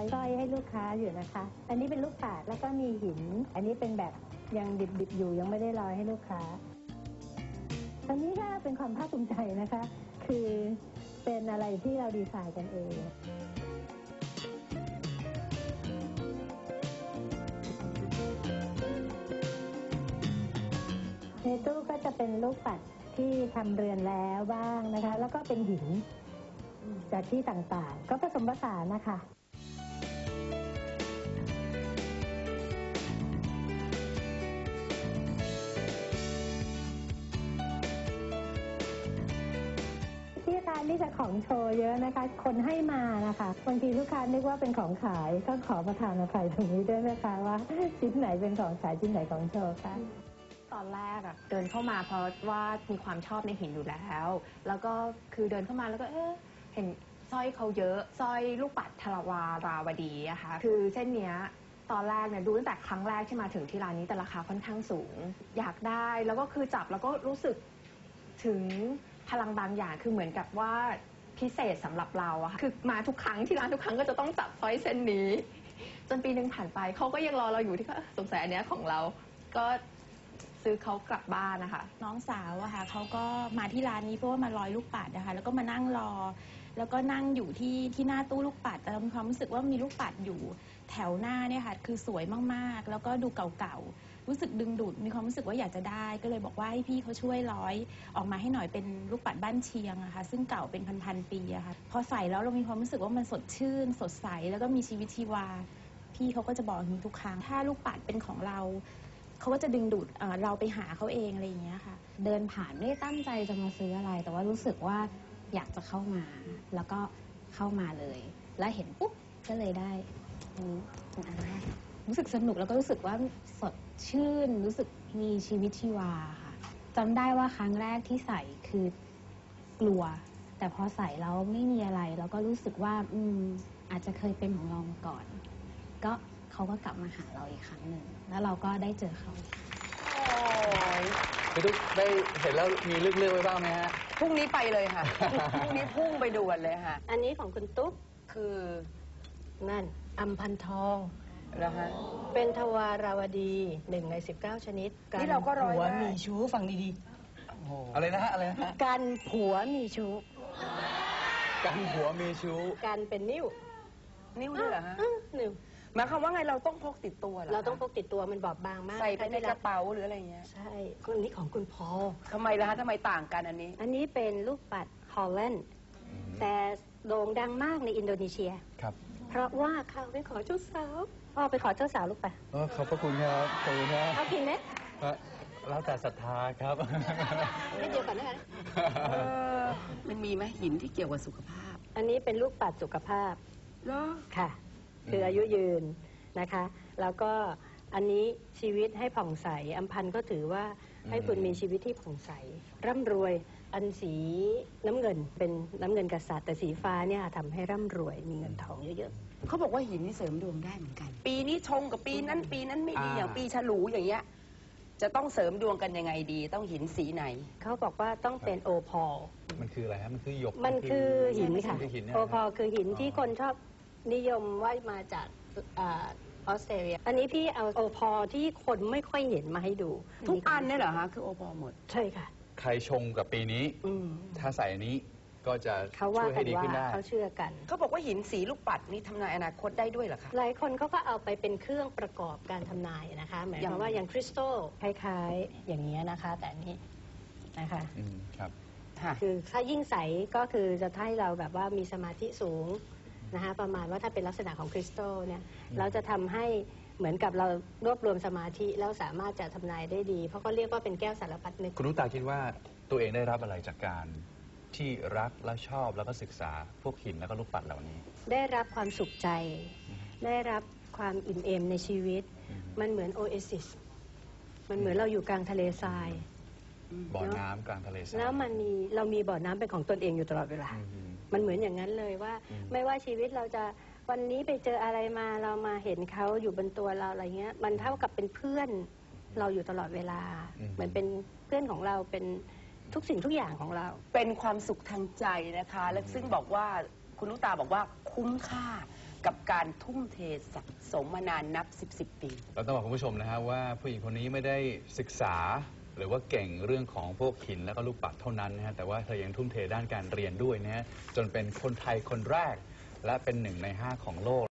สร้อยให้ลูกค้าอยู่นะคะอันนี้เป็นลูกปัดแล้วก็มีหินอันนี้เป็นแบบยังดิบๆอยู่ยังไม่ได้ร้อยให้ลูกค้าอันนี้ก็เป็นความภาคภูมิใจนะคะคือเป็นอะไรที่เราดีไซน์กันเองในตู้ก็จะเป็นลูกปัดที่ทำเรือนแล้วบ้างนะคะแล้วก็เป็นหินจากที่ต่างๆก็ผสมผสานนะคะที่ร้านนี่จะของโชว์เยอะนะคะคนให้มานะคะบางทีลูกค้านึกว่าเป็นของขายก็ขอประทานอภัยตรงนี้ด้วยนะคะว่าชิ้นไหนเป็นของขายชิ้นไหนของโชว์ค่ะตอนแรกเดินเข้ามาเพราะว่ามีความชอบในหินอยู่แล้วก็คือเดินเข้ามาแล้วก็เห็นสร้อยเขาเยอะสร้อยลูกปัดทวาราวดีอะค่ะคือเส้นเนี้ยตอนแรกเนี่ยดูตั้งแต่ครั้งแรกที่มาถึงที่ร้านนี้แต่ราคาค่อนข้างสูงอยากได้แล้วก็คือจับแล้วก็รู้สึกถึงพลังบางอย่างคือเหมือนกับว่าพิเศษสำหรับเราอะค่ะคือมาทุกครั้งที่ร้านทุกครั้งก็จะต้องจับสร้อยเส้นนี้จนปีนึงผ่านไปเขาก็ยังรอเราอยู่ที่ก็สงสัยอันเนี้ยของเราก็ซื้อเขากลับบ้านนะคะน้องสาวอะค่ะเขาก็มาที่ร้านนี้เพราะว่ามาร้อยลูกปัดนะคะแล้วก็มานั่งรอแล้วก็นั่งอยู่ที่หน้าตู้ลูกปัดแต่เรามีความรู้สึกว่ามีลูกปัดอยู่แถวหน้าเนี่ยค่ะคือสวยมากๆแล้วก็ดูเก่าๆรู้สึกดึงดูดมีความรู้สึกว่าอยากจะได้ก็เลยบอกว่าให้พี่เขาช่วยร้อยออกมาให้หน่อยเป็นลูกปัดบ้านเชียงอะค่ะซึ่งเก่าเป็นพันๆปีอะค่ะพอใส่แล้วเรามีความรู้สึกว่ามันสดชื่นสดใสแล้วก็มีชีวิตชีวาพี่เขาก็จะบอกอย่างนี้ทุกครั้งถ้าลูกปัดเป็นของเราเขาก็จะดึงดูดเราไปหาเขาเองอะไรอย่างเงี้ยค่ะเดินผ่านไม่ได้ตั้งใจจะมาซื้ออะไรแต่ว่ารู้สึกว่าอยากจะเข้ามาแล้วก็เข้ามาเลยแล้วเห็นปุ๊บก็เลยได้อันนี้เป็นอันแรกรู้สึกสนุกแล้วก็รู้สึกว่าสดชื่นรู้สึกมีชีวิตชีวาค่ะจำได้ว่าครั้งแรกที่ใส่คือกลัวแต่พอใส่แล้วไม่มีอะไรแล้วก็รู้สึกว่าอาจจะเคยเป็นของเรามาก่อนก็เขาก็กลับมาหาเราอีกครั้งหนึ่งแล้วเราก็ได้เจอเขาพี่ตุ๊กได้เห็นแล้วมีเลือกไว้บ้างไหมฮะพรุ่งนี้ไปเลยค่ะ พรุ่งนี้พุ่งไปด่วนเลยค่ะอันนี้ของคุณตุ๊กคือนั่นอัมพันทองแล้วฮะเป็นทวาราวดี1 ใน 19 ชนิดนี่เราก็ร้อยผัวมีชู้ฟังดีๆอะไรนะฮะอะไรนะฮะกันผัวมีชู้กันผัวมีชู้กันเป็นนิ้วด้วยเหรอฮะนิ้วหมายความว่าไงเราต้องพกติดตัวเหรอเราต้องพกติดตัวมันบอบบางมากใส่ไปในกระเป๋าหรืออะไรเงี้ยใช่คนนี้ของคุณพอทำไมล่ะฮะทำไมต่างกันอันนี้เป็นลูกปัดฮอลแลนด์แต่โด่งดังมากในอินโดนีเซียครับเพราะว่าเขาไปขอเจ้าสาวพ่อไปขอเจ้าสาวลูกปัดขอบพระคุณครับขอบคุณครับเอากินไหมแล้วแต่ศรัทธาครับไม่เดียวกันนะคะมันมีไหมหินที่เกี่ยวกับสุขภาพอันนี้เป็นลูกปัดสุขภาพเหรอค่ะคืออายุยืนนะคะแล้วก็อันนี้ชีวิตให้ผ่องใสอัมพันธ์ก็ถือว่าให้คุณมีชีวิตที่ผ่องใสร่ำรวยอันสีน้ำเงินเป็นน้ำเงินกษัตริย์แต่สีฟ้าเนี่ยทำให้ร่ำรวยมีเงินทองเยอะๆเขาบอกว่าหินนี่เสริมดวงได้เหมือนกันปีนี้ชงกับปีนั้นไม่ดีอย่างปีฉลูอย่างเงี้ยจะต้องเสริมดวงกันยังไงดีต้องหินสีไหนเขาบอกว่าต้องเป็นโอพอลมันคืออะไรฮะมันคือหยกมันคือหินค่ะโอพอลคือหินที่คนชอบนิยมว่ามาจากออสเตรเลียอันนี้พี่เอาโอพอที่คนไม่ค่อยเห็นมาให้ดูทุกอันเนี่ยเหรอฮะคือโอพอหมดใช่ค่ะใครชงกับปีนี้ถ้าใส่อันนี้ก็จะช่วยให้ดีขึ้นได้เขาเชื่อกันเขาบอกว่าหินสีลูกปัดนี่ทำนายอนาคตได้ด้วยเหรอคะหลายคนเขาก็เอาไปเป็นเครื่องประกอบการทำนายนะคะหมายความว่าอย่างคริสตัลคล้ายๆอย่างนี้นะคะแต่นี้นะคะครับคือถ้ายิ่งใสก็คือจะให้เราแบบว่ามีสมาธิสูงนะคะประมาณว่าถ้าเป็นลักษณะของคริสตัลเนี่ยเราจะทำให้เหมือนกับเรารวบรวมสมาธิแล้วสามารถจะทำนายได้ดีเพราะเขาเรียกว่าเป็นแก้วสารพัดนึกคุณนุตาคิดว่าตัวเองได้รับอะไรจากการที่รักและชอบแล้วก็ศึกษาพวกหินแล้วก็ลูกปัดเหล่านี้ได้รับความสุขใจได้รับความอิ่มเอมในชีวิตมันเหมือนโอเอซิสมันเหมือนเราอยู่กลางทะเลทรายบ่อน้ำกลางทะเลทรายแล้วเรามีบ่อน้ำเป็นของตนเองอยู่ตลอดเวลามันเหมือนอย่างนั้นเลยว่าไม่ว่าชีวิตเราจะวันนี้ไปเจออะไรมาเรามาเห็นเขาอยู่บนตัวเราอะไรเงี้ยมันเท่ากับเป็นเพื่อนเราอยู่ตลอดเวลาเหมือนเป็นเพื่อนของเราเป็นทุกสิ่งทุกอย่างของเราเป็นความสุขทางใจนะคะและซึ่งบอกว่าคุณนุตาบอกว่าคุ้มค่ากับการทุ่มเทสะสมมานานนับ10 ปีเราต้องบอกคุณผู้ชมนะฮะว่าผู้หญิงคนนี้ไม่ได้ศึกษาหรือว่าเก่งเรื่องของพวกหินแล้วก็ลูกปัดเท่านั้นนะฮะแต่ว่าเธอยังทุ่มเทด้านการเรียนด้วยนะฮะจนเป็นคนไทยคนแรกและเป็น1 ใน 5ของโลก